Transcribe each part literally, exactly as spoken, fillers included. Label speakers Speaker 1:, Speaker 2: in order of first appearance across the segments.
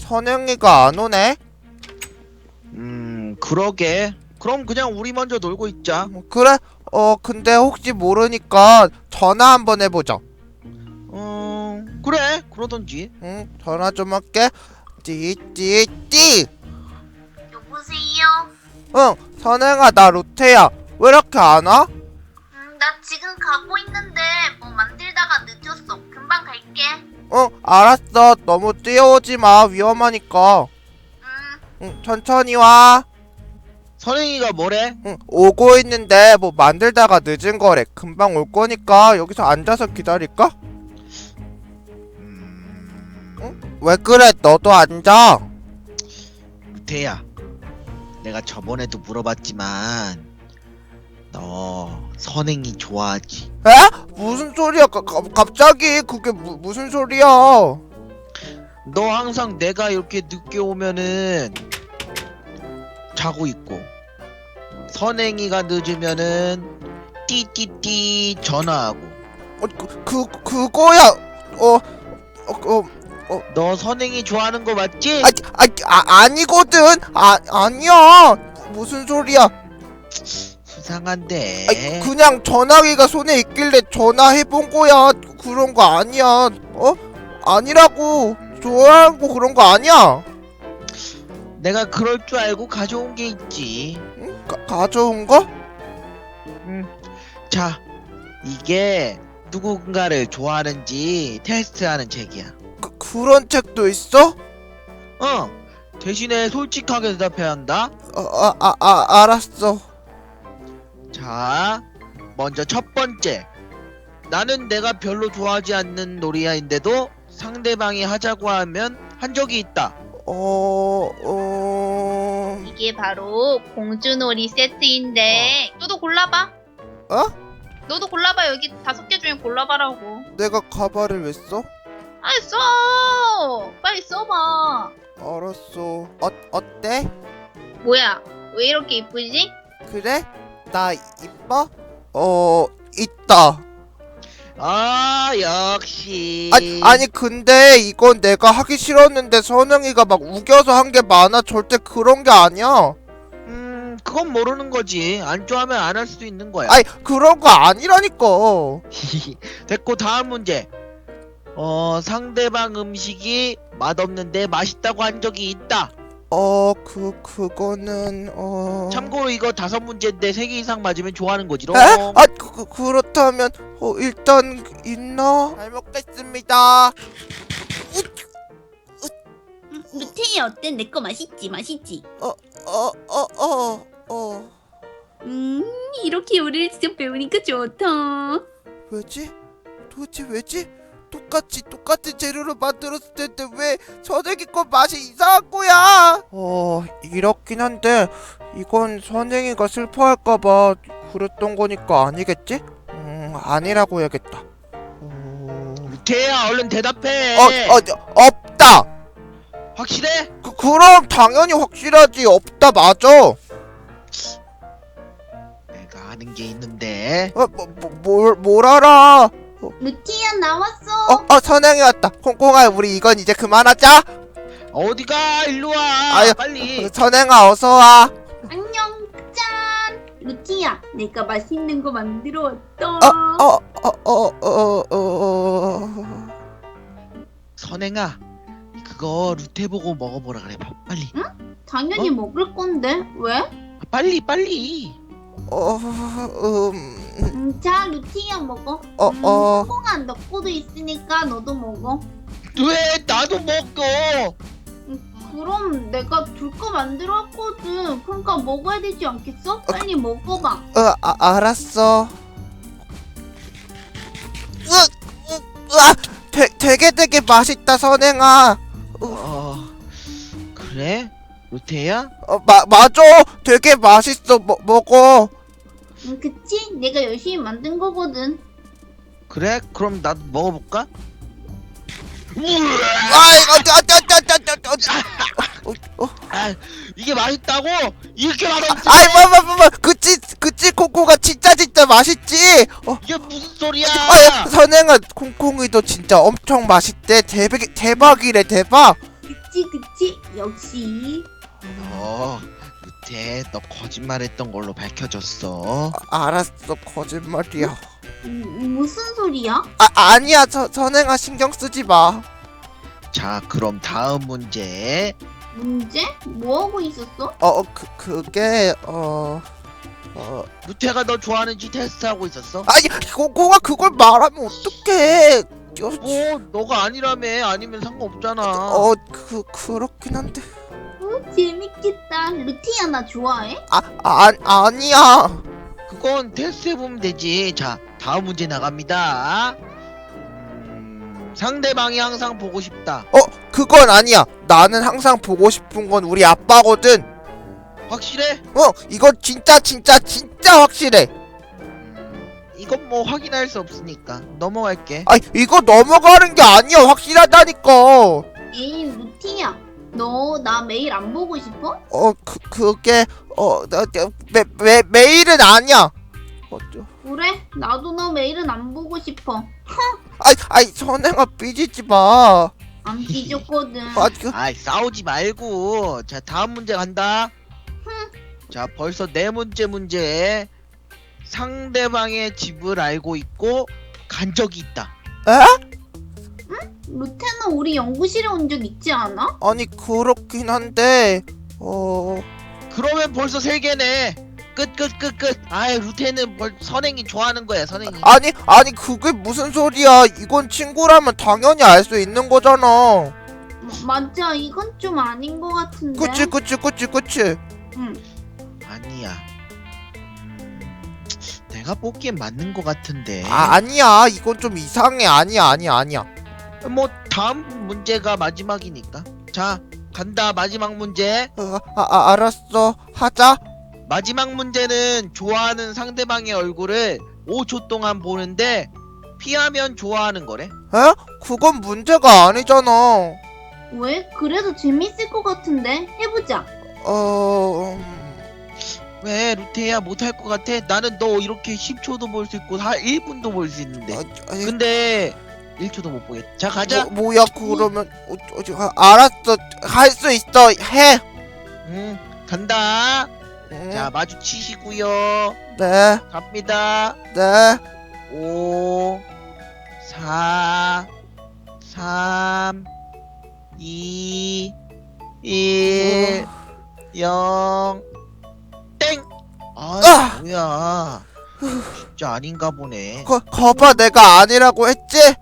Speaker 1: 선영이가 안 오네?
Speaker 2: 음, 그러게. 그럼 그냥 우리 먼저 놀고 있자.
Speaker 1: 어, 그래? 어, 근데 혹시 모르니까 전화 한번 해보자.
Speaker 2: 어, 그래. 그러던지.
Speaker 1: 응, 전화 좀 할게. 띠띠띠.
Speaker 3: 여보세요?
Speaker 1: 응, 선영아, 나 루테야. 왜 이렇게 안 와?
Speaker 3: 음, 나 지금 가고 있는데 뭐 만들다가 늦었어. 금방 갈게.
Speaker 1: 응, 알았어. 너무 뛰어오지 마. 위험하니까.
Speaker 3: 음,
Speaker 1: 응, 천천히 와.
Speaker 2: 선행이가 뭐래?
Speaker 1: 응, 오고 있는데 뭐 만들다가 늦은 거래. 금방 올 거니까 여기서 앉아서 기다릴까?
Speaker 2: 음,
Speaker 1: 응? 왜 그래? 너도 앉아.
Speaker 2: 루테야. 내가 저번에도 물어봤지만 너 선행이 좋아하지?
Speaker 1: 에? 무슨 소리야? 가, 가, 갑자기 그게 무, 무슨 소리야?
Speaker 2: 너 항상 내가 이렇게 늦게 오면은 자고 있고 선행이가 늦으면은 띠띠띠 전화하고
Speaker 1: 어, 그, 그 그거야. 어, 어, 어,
Speaker 2: 너 선행이 좋아하는 거 맞지?
Speaker 1: 아, 아, 아 아니거든. 아, 아니야. 무슨 소리야?
Speaker 2: 수상한데.
Speaker 1: 아, 그냥 전화기가 손에 있길래 전화해본 거야. 그런 거 아니야. 어? 아니라고. 좋아하고 그런 거 아니야.
Speaker 2: 내가 그럴 줄 알고 가져온 게 있지.
Speaker 1: 응? 가, 가져온 거?
Speaker 2: 음. 자, 이게 누군가를 좋아하는지 테스트하는 책이야.
Speaker 1: 그, 그런 책도 있어?
Speaker 2: 어. 대신에 솔직하게 대답해야 한다.
Speaker 1: 아, 아, 아, 아 알았어.
Speaker 2: 자, 먼저 첫 번째. 나는 내가 별로 좋아하지 않는 놀이야인데도 상대방이 하자고 하면 한 적이 있다.
Speaker 1: 어, 어,
Speaker 3: 이게 바로 공주놀이 세트인데 너도 골라봐.
Speaker 1: 어?
Speaker 3: 너도 골라봐. 여기 다섯 개 중에 골라봐라고.
Speaker 1: 내가 가발을 왜 써?
Speaker 3: 아이 써. 빨리 써봐.
Speaker 1: 알았어. 어, 어때?
Speaker 3: 뭐야? 왜 이렇게 이쁘지?
Speaker 1: 그래? 나 이뻐? 어, 있다.
Speaker 2: 아, 역시.
Speaker 1: 아니, 아니 근데 이건 내가 하기 싫었는데 선영이가 막 우겨서 한 게 많아. 절대 그런 게 아니야.
Speaker 2: 음, 그건 모르는 거지. 안 좋아하면 안 할 수도 있는 거야.
Speaker 1: 아니 그런 거 아니라니까.
Speaker 2: 됐고, 다음 문제. 어, 상대방 음식이 맛없는데 맛있다고 한 적이 있다.
Speaker 1: 어, 그 그거는 어.
Speaker 2: 참고로 이거 다섯 문제인데 세 개 이상 맞으면 좋아하는 거지롱.
Speaker 1: 에? 아, 그, 그 그렇다면 어 일단 있나? 잘 먹겠습니다.
Speaker 3: 음, 루테이 어때? 내 거 맛있지? 맛있지?
Speaker 1: 어, 어, 어, 어.
Speaker 3: 음, 이렇게 요리를 직접 배우니까 좋다.
Speaker 1: 왜지? 도대체 왜지? 똑같이 똑같은 재료로 만들었을 텐데 왜 선생이 거 맛이 이상한 거야? 어, 이렇긴 한데 이건 선생이가 슬퍼할까봐 그랬던 거니까 아니겠지? 음, 아니라고 해야겠다. 어,
Speaker 2: 루테야, 얼른 대답해.
Speaker 1: 어, 어, 없다.
Speaker 2: 확실해?
Speaker 1: 그, 그럼 당연히 확실하지. 없다 맞아.
Speaker 2: 내가 아는 게 있는데.
Speaker 1: 어, 뭐, 뭐, 뭘, 뭘 알아?
Speaker 3: 루테이야 나왔어.
Speaker 1: 어, 어, 선영이 왔다. 콩콩아, 우리 이건 이제 그만하자.
Speaker 2: 어디가? 일로 와.
Speaker 1: 아유,
Speaker 2: 빨리.
Speaker 1: 선영아, 어서 와.
Speaker 3: 안녕, 짠. 루티야, 내가 맛있는 거 만들어 왔다.
Speaker 1: 어, 어, 어, 어, 어, 어.
Speaker 2: 선행아, 그거 루테 보고 먹어보라 그래. 봐, 빨리.
Speaker 3: 당연히
Speaker 2: 어?
Speaker 3: 먹을 건데 왜?
Speaker 2: 아, 빨리, 빨리.
Speaker 1: 어, 음,
Speaker 3: 음, 자, 루티야 먹어.
Speaker 1: 어,
Speaker 3: 음,
Speaker 1: 어.
Speaker 3: 콩콩아, 너 거도 있으니까 너도 먹어.
Speaker 2: 왜 나도 먹어?
Speaker 3: 음, 그럼 내가 둘 거 만들어 왔거든. 그러니까 먹어야 되지 않겠어? 빨리 먹어봐.
Speaker 1: 어, 아, 알았어. 으, 으, 으아, 되, 되게 되게 맛있다, 선행아.
Speaker 2: 어, 그래? 루테야?
Speaker 1: 어, 마, 맞아. 되게 맛있어. 먹, 먹어.
Speaker 3: 음, 그치? 내가 열심히 만든 거거든.
Speaker 2: 그래? 그럼 나도 먹어볼까?
Speaker 1: 아이, 어, 저, 저, 저, 저, 저, 저, 저. 어, 어.
Speaker 2: 아, 이게 맛있다고? 이렇게 맛없지?
Speaker 1: 아이, 뭐, 뭐, 뭐, 뭐, 그치, 그치, 콩콩아 진짜 진짜 맛있지. 어,
Speaker 2: 이게 무슨 소리야?
Speaker 1: 아, 선행아, 콩콩이도 진짜 엄청 맛있대. 대박, 대박이래, 대박.
Speaker 3: 그치 그치 역시.
Speaker 2: 어, 루테, 너 거짓말했던 걸로 밝혀졌어.
Speaker 1: 아, 알았어, 거짓말이야.
Speaker 3: 음, 무슨 소리야?
Speaker 1: 아, 아니야, 저, 선행아 신경 쓰지 마.
Speaker 2: 자, 그럼 다음 문제.
Speaker 3: 문제? 뭐 하고 있었어?
Speaker 1: 어, 그, 그게, 어, 어,
Speaker 2: 루테가 너 좋아하는지 테스트하고 있었어?
Speaker 1: 아니, 고고가 그걸 말하면 어떡해. 여,
Speaker 2: 뭐, 너가 아니라며. 아니면 상관없잖아.
Speaker 1: 어, 그, 그렇긴 한데.
Speaker 3: 어, 재밌겠다. 루티야 나 좋아해?
Speaker 1: 아, 아, 아니야.
Speaker 2: 그건 테스트해보면 되지. 자, 다음 문제 나갑니다. 음, 상대방이 항상 보고 싶다.
Speaker 1: 어, 그건 아니야. 나는 항상 보고 싶은 건 우리 아빠거든.
Speaker 2: 확실해?
Speaker 1: 어, 이건 진짜, 진짜, 진짜 확실해.
Speaker 2: 음, 이건 뭐 확인할 수 없으니까 넘어갈게.
Speaker 1: 아, 이거 넘어가는 게 아니야. 확실하다니까.
Speaker 3: 에이 루티야 너 나 매일 안 보고 싶어?
Speaker 1: 어, 그, 그게, 어, 나, 나, 매, 매, 매일은 아니야. 어, 저,
Speaker 3: 그래 나도 너 매일은 안 보고 싶어.
Speaker 1: 아이, 아이, 선행아, 삐지지 마.
Speaker 3: 안 삐졌거든.
Speaker 1: 아, 그,
Speaker 2: 아이, 싸우지 말고. 자, 다음 문제 간다. 자, 벌써 네 문제 문제. 상대방의 집을 알고 있고 간 적이 있다.
Speaker 1: 에?
Speaker 3: 루테는 우리 연구실에 온 적 있지 않아?
Speaker 1: 아니, 그렇긴 한데, 어,
Speaker 2: 그러면 벌써 세 개네. 끝, 끝, 끝, 끝. 아이, 루테는 벌, 선행이 좋아하는 거야, 선행이.
Speaker 1: 아니, 아니, 그게 무슨 소리야. 이건 친구라면 당연히 알 수 있는 거잖아.
Speaker 3: 마- 맞아 이건 좀 아닌 것 같은데.
Speaker 1: 그치, 그치, 그치, 그치.
Speaker 3: 응.
Speaker 2: 아니야. 음, 내가 보기엔 맞는 것 같은데.
Speaker 1: 아, 아니야. 이건 좀 이상해. 아니야, 아니야, 아니야.
Speaker 2: 뭐 다음 문제가 마지막이니까. 자, 간다. 마지막 문제.
Speaker 1: 어, 아, 아, 알았어. 하자.
Speaker 2: 마지막 문제는 좋아하는 상대방의 얼굴을 오 초 동안 보는데 피하면 좋아하는 거래.
Speaker 1: 에? 그건 문제가 아니잖아.
Speaker 3: 왜? 그래도 재밌을 것 같은데 해보자.
Speaker 1: 어... 음,
Speaker 2: 왜 루테야 못할 것 같아? 나는 너 이렇게 십 초도 볼 수 있고 한 일 분도 볼 수 있는데.
Speaker 1: 아, 아니,
Speaker 2: 근데 일 초도 못 보겠다. 자, 가자.
Speaker 1: 뭐, 뭐야 그러면 어, 어, 어, 알았어. 할 수 있어. 해.
Speaker 2: 응, 간다.
Speaker 1: 응,
Speaker 2: 자, 마주치시고요.
Speaker 1: 네,
Speaker 2: 갑니다.
Speaker 1: 네.
Speaker 2: 오, 사, 삼, 이, 일, 영, 땡! 아,
Speaker 1: 아!
Speaker 2: 뭐야. 진짜 아닌가 보네.
Speaker 1: 거, 거봐 내가 아니라고 했지?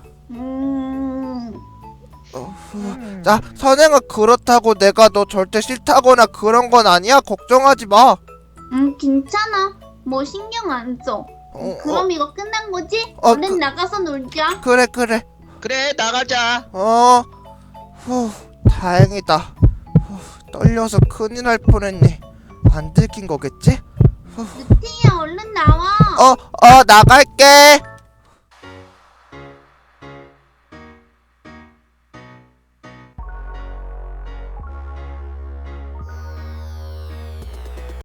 Speaker 3: 음.
Speaker 1: 어,
Speaker 2: 음.
Speaker 1: 자, 선행아 그렇다고 내가 너 절대 싫다거나 그런 건 아니야. 걱정하지 마.
Speaker 3: 음 괜찮아. 뭐 신경 안 써.
Speaker 1: 어,
Speaker 3: 그럼 이거 끝난 거지?
Speaker 1: 어,
Speaker 3: 얼른
Speaker 1: 그-
Speaker 3: 나가서 놀자.
Speaker 1: 어, 그래 그래.
Speaker 2: 그래, 나가자.
Speaker 1: 어, 후, 다행이다. 후, 떨려서 큰일 날 뻔했네. 안 들킨 거겠지?
Speaker 3: 루티야 얼른 나와.
Speaker 1: 어, 어, 나갈게.